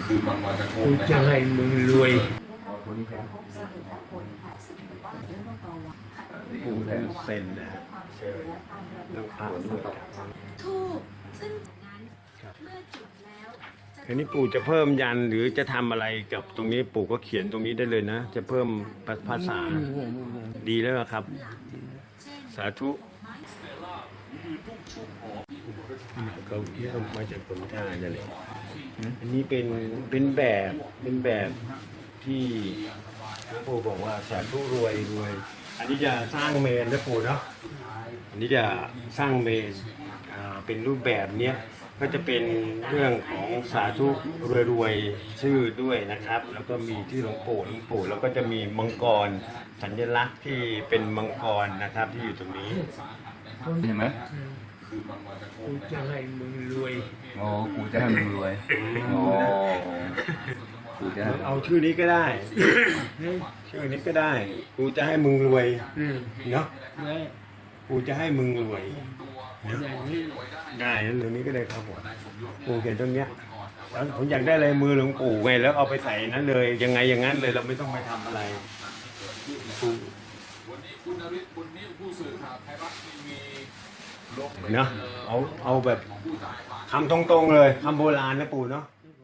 กูจะให้มึงรวยปู่เซ็นนะฮะต้องอ่านด้วยถูกซึ่งจากนั้นเมื่อจุดแล้วทีนี้ปู่จะเพิ่มยันหรือจะทำอะไรกับตรงนี้ปู่ก็เขียนตรงนี้ได้เลยนะจะเพิ่มภาษาดีแล้วครับสาธุเขาเที่ยวมาจากผลทานนั่นแหละอันนี้เป็นแบบที่หลวงปู่บอกว่าสาธุรวยอันนี้จะสร้างเมนนะปู่เนาะอันนี้จะสร้างเมนเป็นรูปแบบเนี้ยก็จะเป็นเรื่องของสาธุรวยชื่อด้วยนะครับ แล้วก็มีที่หลวงปู่แล้วก็จะมีมังกรสัญลักษณ์ที่เป็นมังกรนะครับที่อยู่ตรงนี้เห็นไหมกูจะให้มึงรวยอ๋อกูจะให้มึงรวยอ๋อกูจะเอาชื่อนี้ก็ได้ชื่อนี้ก็ได้กูจะให้มึงรวยเนาะกูจะให้มึงรวยได้นั่นตรงนี้ก็ได้ครับผมปู่เขียนตรงเนี้ยแล้วผมอยากได้อะไรมือหลวงปู่ไงแล้วเอาไปใส่นั้นเลยยังไงอย่างนั้นเลยเราไม่ต้องไปทำอะไรคุณนฤทธิ์บุญนิ่มผู้สื่อข่าวไทยรัฐทีวีเนาะเอาแบบคำตรงๆเลยคำโบราณนะปู่เนาะ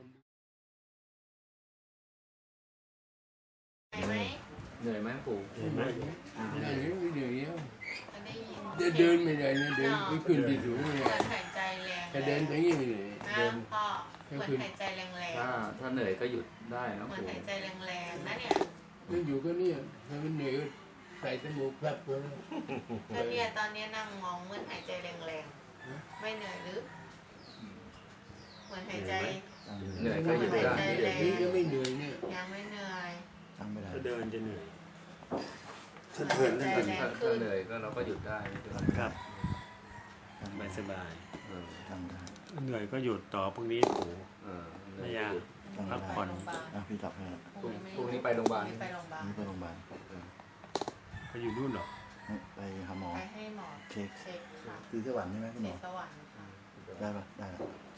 เหนื่อยไหมปู่เหนื่อยไหมเหนื่อยเดินไม่ได้นะเดินไม่ขึ้นที่สูงเลยหายใจแรงแต่เดินอย่างนี้ไม่เหนื่อยเดินพ่อเหมือนหายใจแรงๆถ้าเหนื่อยก็หยุดได้นะเหมือนปู่หายใจแรงๆนะเนี่ยก็อยู่ก็เนี่ยถ้ามันเหนื่อยก็ใส่จมูกแผลบเลยก็เนี่ยตอนนี้นั่งมองเหมือนหายใจแรงๆไม่เหนื่อยหรือเหมือนหายใจเหนื่อยก็หยุดได้นี่ก็ไม่เหนื่อยเนี่ยยังไม่เหนื่อยถ้าเดินจะเหนื่อยถ้าเหนื่อยก็เราก็หยุดได้ครับสบายเหนื่อยก็หยุดต่อพรุ่งนี้ปู่ไม่ยากพักผ่อนพี่จับให้พรุ่งนี้ไปโรงพยาบาลไปโรงพยาบาลไปอยู่นู่นหรอไปหาหมอไปให้หมอเช็คคือสวรรค์ใช่ไหมคุณหมอสวรรค์ได้ปะได้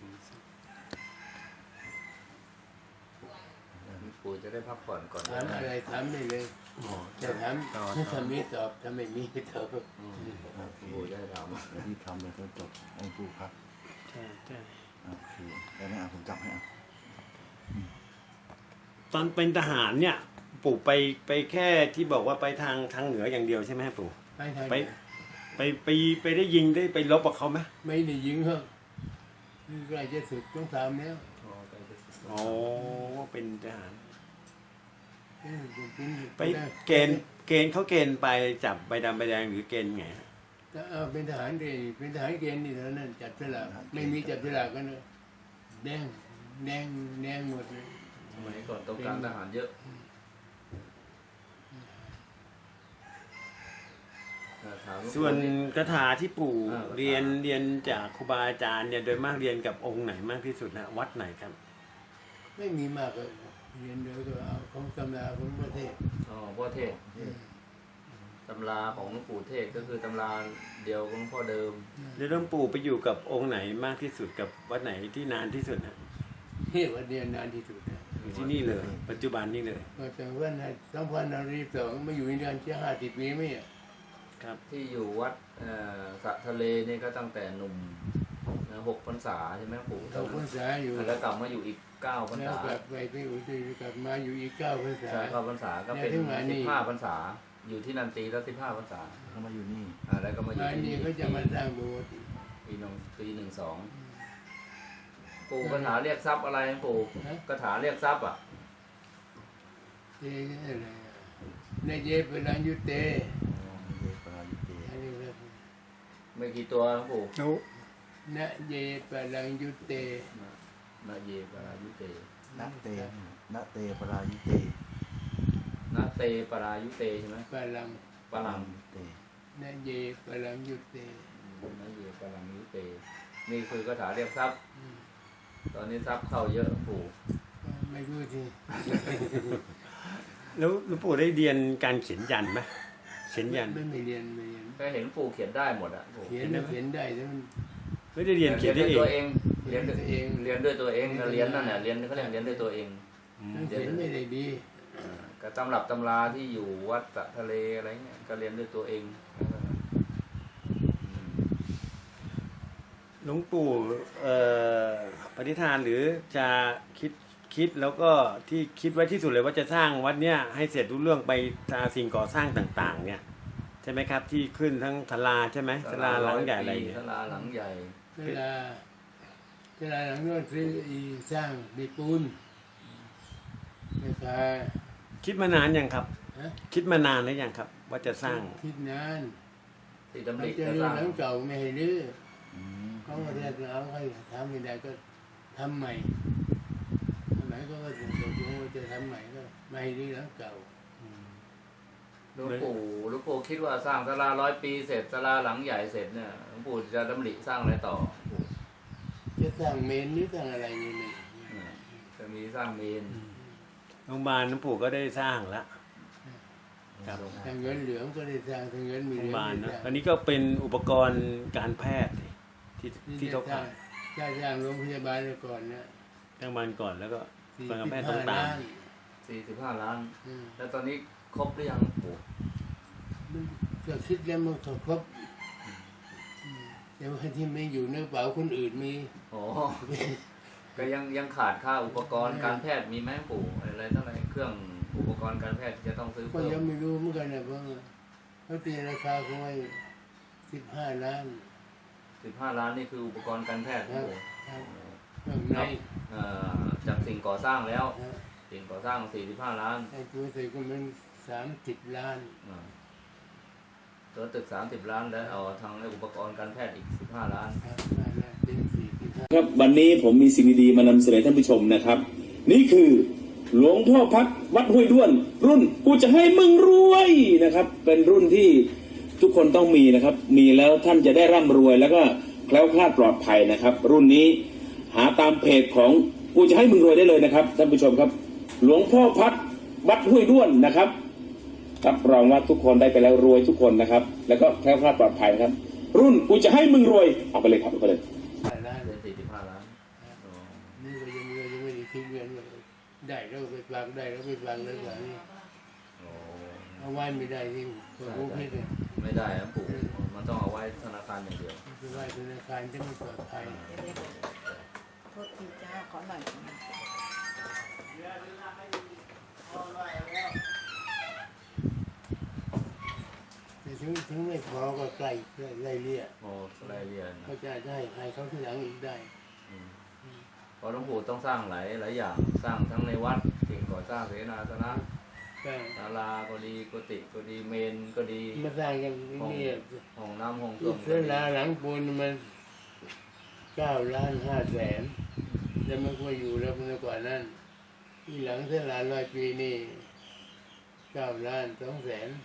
ปู่จะได้พักผ่อนก่อนถามอะไรถามได้เลยจะถามถ้ามีตอบถ้าไม่มีตอบปู่ได้ถามที่ทำเลยก็จบองค์ปู่ครับใช่โอเคแล้วนะผมจับให้ตอนเป็นทหารเนี่ยปู่ไปแค่ที่บอกว่าไปทางเหนืออย่างเดียวใช่ไหมปู่ไปได้ยิงได้ไปรบกับเขาไหมไม่ได้ยิงครับใกล้จะสุดต้องถามแล้วอ๋อเป็นทหารไปเกณฑ์เขาเกณฑ์ไปจับใบดำใบแดงหรือเกณฑ์ไงเป็นทหารเป็นทหารเกณฑ์นี่เท่านั้นจับฉลากไม่มีจับฉลากกันเลยแดงหมดเลยสมัยก่อนต้องการทหารเยอะส่วนคาถาที่ปู่เรียนจากครูบาอาจารย์เนี่ยโดยมากเรียนกับองค์ไหนมากที่สุดนะวัดไหนครับไม่มีมากเลยเรียนเดียวก็เอาของตำราของพ่อเทศพ่อเทศตำราของหลวงปู่เทศก็คือตำราเดียวของพ่อเดิมแล้วหลวงปู่ไปอยู่กับองค์ไหนมากที่สุดกับวัดไหนที่นานที่สุดนะที่วัดเดียนานที่สุดอยู่ที่นี่เลยปัจจุบันนี่เลยแต่ว่าใน2522มาอยู่ในเดือนที่50 ปีไม่อ่ะครับที่อยู่วัดสะทะเลนี่ก็ตั้งแต่หนุ่ม6 พรรษาใช่ไหมปู่ 6 พรรษาอยู่แล้วกลับมาอยู่อีก9 พรรษาแล้วกลับไปอุตรกลับมาอยู่อีก9 พรรษา 9 พรรษาก็เป็น15 พรรษาอยู่ที่นันตีแล้ว15 พรรษาเขามาอยู่นี่แล้วก็มาอยู่ที่นี่เขาจะมาสร้างโบสถ์ปี12ปู่คาถาเรียกทรัพย์อะไรปู่คาถาเรียกทรัพย์อ่ะในเยปรัญยุเตไม่กี่ตัวปู่นะเยปรัญยุเตนะเยปรายุเตนะเตปรายุเตนะเตปรายุเตใช่ไหมปรังเตนะเยปรัญยุเตนะเยปรัญยุเตนี่คือคาถาเรียกทรัพย์ตอนนี้ทรัพย์เข้าเยอะปู่ไม่รู้ทีแล้วหลวงปู่ได้เรียนการเขียนยันไหมเขียนยันไม่เรียนก็เห็นปู่เขียนได้หมดอ่ะเขียนได้แต่มันไม่ได้เรียนเขียนได้ตัวเองเรียนด้วยเองเรียนด้วยตัวเองเรียนนั่นแหละเรียนเขาเรียกเรียนด้วยตัวเองหนังสือไม่ได้ดีกับตำรับตำราที่อยู่วัดสะทะเลอะไรเงี้ยก็เรียนด้วยตัวเองหลวงปู่ปฏิฐานหรือจะคิดแล้วก็ที่คิดไว้ที่สุดเลยว่าจะสร้างวัดเนี้ยให้เสร็จรู้เรื่องไปสิ่งก่อสร้างต่างๆ เนี่ยใช่ไหมครับที่ขึ้นทั้งศาลาใช่ไหมศาลาหลังใหญ่อะไรเนี่ยศาลาหลังใหญ่เวลาหลังโน้นซื้อสร้างมีปูนราคาคิดมานานยังครับฮะคิดมานานหรือยังครับ ว่าจะสร้างคิดนานที่ดำเขาริจะจะรื้สอร้างหลังเก่าไม่ให้รื้อเขาก็เรียกเอาให้ทำไม่ได้ก็ทำใหม่ทำใหม่ก็ตกลงว่าจะทำใหม่ก็ไม่ให้รื้อหลังเก่าหลวงปู่คิดว่าสร้างศาลา100 ปีเสร็จศาลาหลังใหญ่เสร็จเนี่ยหลวงปู่จะดำริสร้างอะไรต่อจะสร้างเมนหรือสร้างอะไรนี่ไม่จะมีสร้างเมนโรงพยาบาลหลวงปู่ก็ได้สร้างแล้วครับทางเงินเหลืองก็ได้สร้างทางเงินมีโรเหงพลืยาองบาลได้นะสร้างอันนี้ก็เป็นอุปกรณ์การแพทย์ที่เขาสร้าขาง ยสร้างโรงพยาบาลก่อนนะทางบ้านก่อนแล้วก็ 45 การแพทย์ต้องตามล้าน 45 ล้านอืมแล้วตอนนี้ครบหรือยังหลวงปู่ก็คิดแล้วมันก็ครบแต่ว่าที่ไม่อยู่ในกระเป๋าคนอื่นมีโอ้ก็ยังขาดค่าอุปกรณ์การแพทย์มีไหมหลวงปู่อะไรเท่าไหร่เครื่องอุปกรณ์การแพทย์ที่จะต้องซื้อก็เพิ่ยังมไม่รู้เหมือนกันนะเพราะว่าเขาตีราคาเขาไว้15 ล้าน 15 ล้านนี่คืออุปกรณ์การแพทย์หลวงปู่ครับเครื่องในจากสิ่งก่อสร้างแล้วนะสิ่งก่อสร้าง45 ล้านไอ้ตัวใส่ก็มัน30 ล้านตัวตึก30 ล้านแล้วเอาทางอุปกรณ์การแพทย์อีก15 ล้านครับเป็น45 ครับวันนี้ผมมีสิ่งดีๆมานำเสนอท่านผู้ชมนะครับ นี่คือหลวงพ่อพักวัดห้วยด้วน รุ่นกูจะให้มึงรวยนะครับ เป็นรุ่นที่ทุกคนต้องมีนะครับ มีแล้วท่านจะได้ร่ำรวยแล้วก็แคล้วคลาดปลอดภัยนะครับ รุ่นนี้หาตามเพจของกูจะให้มึงรวยได้เลยนะครับท่านผู้ชมครับ หลวงพ่อพักวัดห้วยด้วนนะครับรับรองว่าทุกคนได้ไปแล้วรวยทุกคนนะครับ แล้วก็แคล้วคลาดปลอดภัยนะครับ รุ่นกูจะให้มึงรวยเอาไปเลยครับเอาไปเลยล้านเป็น45 ล้านอ๋อนี่ก็ยังไม่ได้คิดเงินเลยได้แล้วไปฟังได้แล้วไปฟังเลยว่านี่โอ้เอาไว้ไม่ได้ที่ผมคิดเลยไม่ได้นะปู่มันต้องเอาไว้ธนาคารอย่างเดียวไปไว้ธนาคารจะไม่ปลอดภัยโทษทีจ้าขอหน่อยแต่ถึงไม่พอก็ใกล้ไล่เลี่ยโอ้รายละเอียดนะเขาจะได้ให้เขาที่หลังอีกได้เพราะหลวงปู่ต้องสร้างหลายอย่างสร้างทั้งในวัดสิ่งก่อสร้างเสนาสนะก็ศาลาก็ดีกุฏิก็ดีเมนก็ดีมาสร้างอย่างนี้ห้องน้ำห้องส้วมเสนาหลังปูนมัน9 ล้าน5 แสนแล้วมันก็อยู่แล้วมันกว่านั้นที่หลังเสนา100 ปีนี่9 ล้าน2 แสน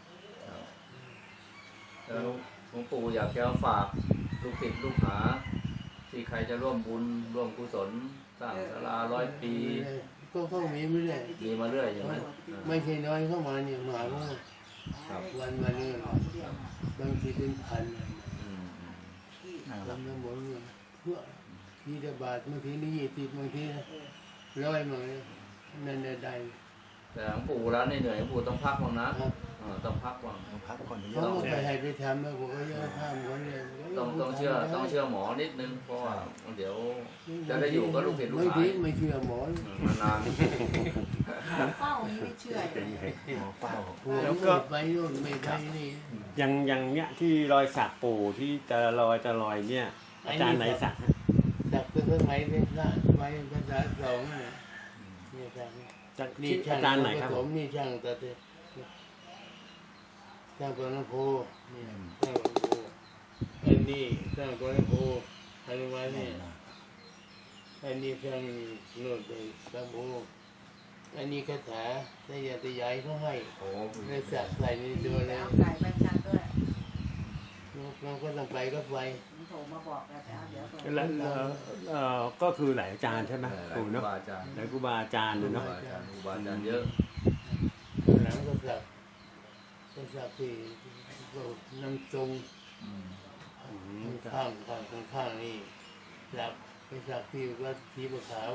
แล้วหลวงปู่อยากจะฝากลูกศิษย์ลูกหา ที่ใครจะร่วมบุญร่วมกุศลสร้างศาลา100 ปีก็เข้ามีไม่ได้มีมาเรื่อยใช่ไหมไม่ใช่น้อยเข้ามาเนี่ยมาว่าครับวันมาเนี่ยบางทีเป็นพันอืมทำน้ำมนต์เนี่ยเพื่อทีละบาทบางทีนี่20บางที100มาเลยนั่นได้แต่หลวงปู่แล้วเหนื่อยหลวงปู่ต้องพักบ้างนะครับ ต้องพักบ้างต้องพักก่อนเยเขาอะก็ไปให้ไปทำแล้วผมก็ยังทำคนเนี่ยต้องเชื่อหมอนิดนึงเพราะว่าเดี๋ยวจะได้อยู่กับลูกศิษย์ลูกบางหาทีไม่เชื่อหมอนานเฝ้านี้ไม่เชื่อเลยหมอเฝ้าแล้วก็ไปโน่นไม่ไปนี่อย่างเนี้ยที่รอยสักปู่ที่จะลอยเนี่ย อาจารย์ไหนสักฮะจากเครื่องไม้เป็นพระไม้ภาษา2เนี่ยเนี่ยครับจากนี่ที่ช่างอาจารย์ไหนครับผสมนี่ช่างตัดเนี่ยช่างปนโพเนี่ยช่างปนโพอันนี้ช่างปนโพอันนี้มาเนี่ยอันนี้ช่างโน่นไปปนโพอันนี้คาถาได้ยาตยายเขาให้โอ้ในสักใส่ในตัวแล้วเอาไก่ไปชัดด้วยเราก็ต้องไปก็ไปผมโทรมาบอกแล้วแต่เดี๋ยวส่งแล้วก็คือหลายอาจารย์ใช่ไหมปู่เนาะบาอาจารย์หลายครูบาอาจารย์เลยครูเนาะบาอาจารย์ครูบาอาจารย์เยอะหลังก็สักที่ก็น้ำทรงข้างนี่หลับไปสักที่วัดที่บัวขาว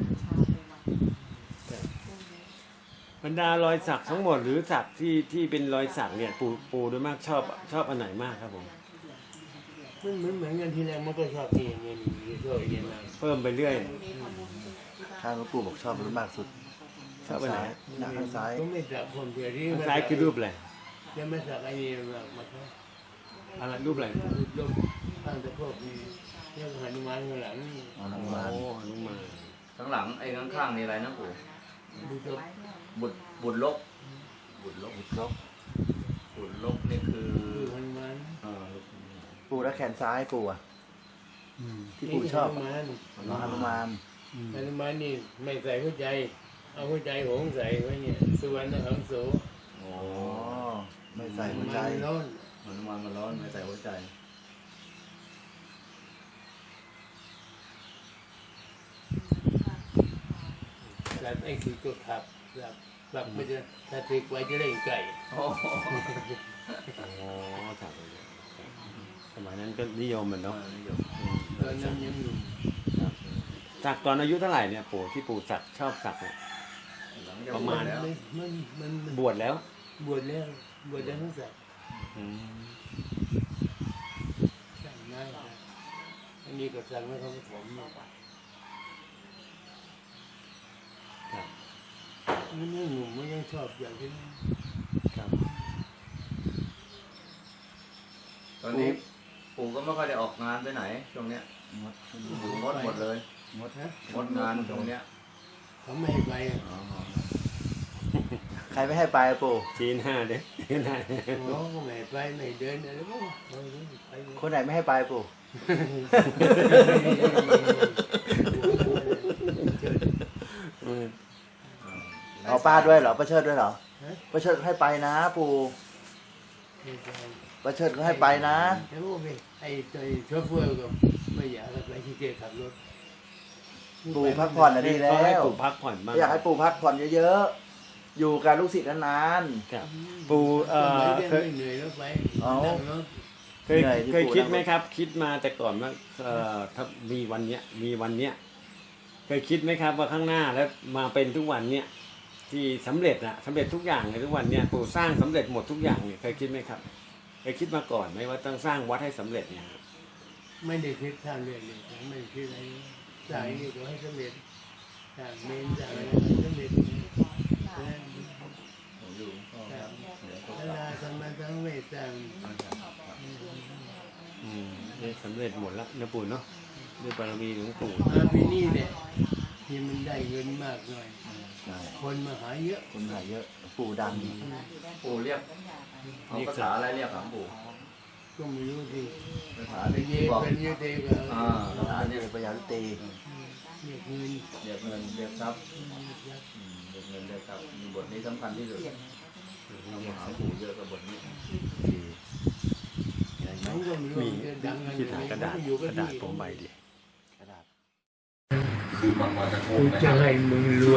บรรดารอยสักทั้งหมดหรือสักที่เป็นรอยสักเนี่ยปูโดยมากชอบอันไหนมากครับผมมันเหมือนกันทีแรกมันก็ชอบที่อย่างเงี้ยนี่ชอบอย่างเงี้ยนะเพิ่มไปเรื่อยมีทำบุญที่ข้างหลวงปู่บอกชอบรุ่นมากสุดชอบอันไหนหน้าข้างซ้ายก็ไม่สักคนเดียวที่ข้างซ้ายคือรูปอะไรจะไม่สักไอ้นี่มาครับอะไรรูปอะไรรูปข้างตะโพกนี่เรียกหนุมานข้างหลังนี่อ๋อน้ำโอ้มันหนุมานข้างหลังไอ้ข้างๆนี่อะไรนะปู่ดูตัวบุตรลกบุตรลบบุตรลบบุตรลกนี่คือดูหนุมานปู่แล้วแขนซ้ายปู่อะที่ปู่ชอบหนุมานน้องฮนุมานหนุมานนี่ไม่ใส่หัวใจ เอาหัวใจหงใส่ไว้เนี่ยสุวรรณหังโสอ๋ออ๋อไม่ใส่หัวใจมันร้อนหนุมานมันร้อนไม่ใส่หัวใจแล้วไอ้คือตัวขับแบบไม่จะถ้าติกไว้จะเล่นไก่โอ้โหอ๋อสักเลยสมัยนั้นก็นิยมมันเนาะนิยมตอนนั้นยังหนุ่มสักตอนอายุเท่าไหร่เนี่ยปู่ที่ปู่สักชอบสักเนี่ยหลังจากประมาณแล้วมันบวชแล้วบวชแล้วทั้งสัตว์อืมสั่งง่ายนะอันนี้ก็สั่งไม่เขาผสมมาครับมันยังหนุ่มมันยังชอบอย่างที่ครับตอนนี้ปู่ก็ไม่ค่อยได้ออกงานไปไหนช่วงเนี้ยงดอยู่งดหมดเลยงดนะงดงานช่วงเนี้ยเขาไม่ให้ไปอ่ะอ๋อใครไม่ให้ไปอะปู่จีนห้าเด้จีนห้าเขาก็ไม่ให้ไปไม่เดินอะไรก็ไปเลยคนไหนไม่ให้ไปปู่เอาป้าด้วยเหรอป้าเชิดด้วยเหรอป้าเชิดให้ไปนะ ปู่ป้าเชิดก็ให้ไปนะแล้วก็ไปไอ้ตัวโชเฟอร์ก็ไม่อยากให้ไปที่เกียร์ขับรถปู่พักผ่อนนะดีแล้ก็ให้วปู่พักผ่อนบ้างอยากให้ปู่พักผ่อนเยอะๆ อยู่กับลูกศิษย์นานครับปู่เคยเหนื่อยแล้วไปนั่งรถเคยคิดไหมครับ คิดมาแต่ก่อนว่าถ้ามีวันเนี้ยเคยคิดไหมครับว่าข้างหน้าแล้วมาเป็นทุกวันเนี้ยที่สำเร็จนะสำเร็จทุกอย่างในทุกวันเนี้ยปู่สร้างสำเร็จหมดทุกอย่างเนี่ยเคยคิดไหมครับเคยคิดมาก่อนไหมว่าต้องสร้างวัดให้สำเร็จเนี่ยครับไม่ได้คิดทางเรื่องเลยไม่ได้คิดอะไรสายนี่ก็ให้สำเร็จสร้างเมนสร้างอะไรให้สำเร็จผมอยู่ก็เดี๋ยวก็เวลาทำมาทั้งเวทสร้างเนี่ยสำเร็จหมดแล้วนะปู่เนาะด้วยบารมีของปู่มาปีนี้เนี่ยที่มันได้เงินมากหน่อยๆใช่คนมาหาเยอะคนหายเยอะ ปู่ดังปู่เรียกเอาภาษาอะไรเรียกครับปู่ก็ไม่รู้สิภาษาเป็นที่เยบอกเป็นเยเตก็ภาษาเรีเรียยกกประยาลุเตเรียกเงินเรียกเงินเรียกทรัพย์เรียกเงินเรียกทรัพย์มีบทนี้สำคัญที่สุดต้องมาหาปู่เยอะกับบทนี้มันก็ไม่รู้มีจะดังกันที่ถ่ายกระดาษอยู่กระดาษผมใบดิกระดาษกูจะให้มึงรวย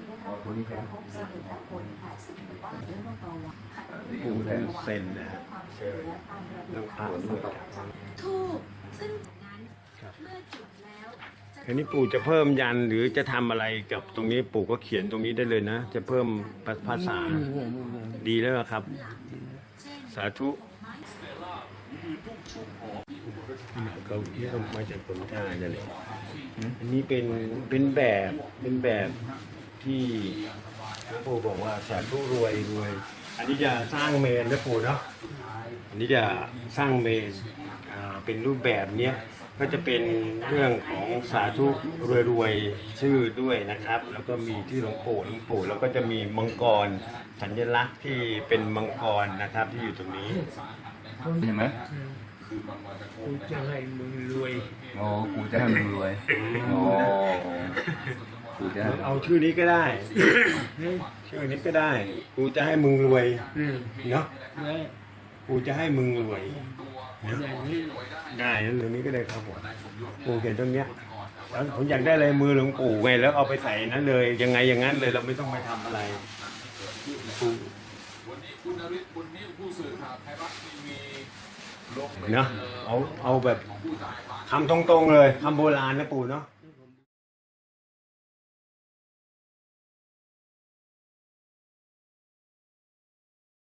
ปู่คือเซนนะฮะต้องอ่านด้วยครับทูบซึ่งนั้นเมื่อจุดแล้วจะคราวนี้ปู่จะเพิ่มยันหรือจะทำอะไรกับตรงนี้ปู่ก็เขียนตรงนี้ได้เลยนะ จะเพิ่มภาษาดีแล้วครับ สาธุเขามาจากผลทานนั่นแหละอันนี้เป็นแบบที่หลวงปู่บอกว่าสาธุรวย อันนี้จะสร้างเมนนะปู่เนาะอันนี้จะสร้างเมนเป็นรูปแบบเนี้ยก็จะเป็นเรื่องของสาธุรวยชื่อด้วยนะครับ แล้วก็มีที่หลวงปู่แล้วก็จะมีมังกรสัญลักษณ์ที่เป็นมังกรนะครับที่อยู่ตรงนี้เห็นไหมกูจะให้มึงรวยโอ้กูจะให้มึงรวยโอ้กูจะให้เอาชื่อนี้ก็ได้ ชื่อนี้ก็ได้กูจะให้มึงรวยเนาะนะกูจะให้มึงรวยอย่างนี้ได้นั่นตรงนี้ก็ได้ครับผมปูเขียนตรงเนี้ยแล้วผมอยากได้ลายมือหลวงปู่ไงแล้วเอาไปใส่นั้นเลยยังไงอย่างนั้นเลยเราไม่ต้องไปทำอะไรปูวันนี้คุณนฤทธิ์บุญนิ่มผู้สื่อข่าวไทยรัฐทีวีเนาะเอาแบบคำตรงๆเลยคำโบราณนะปู่เนาะ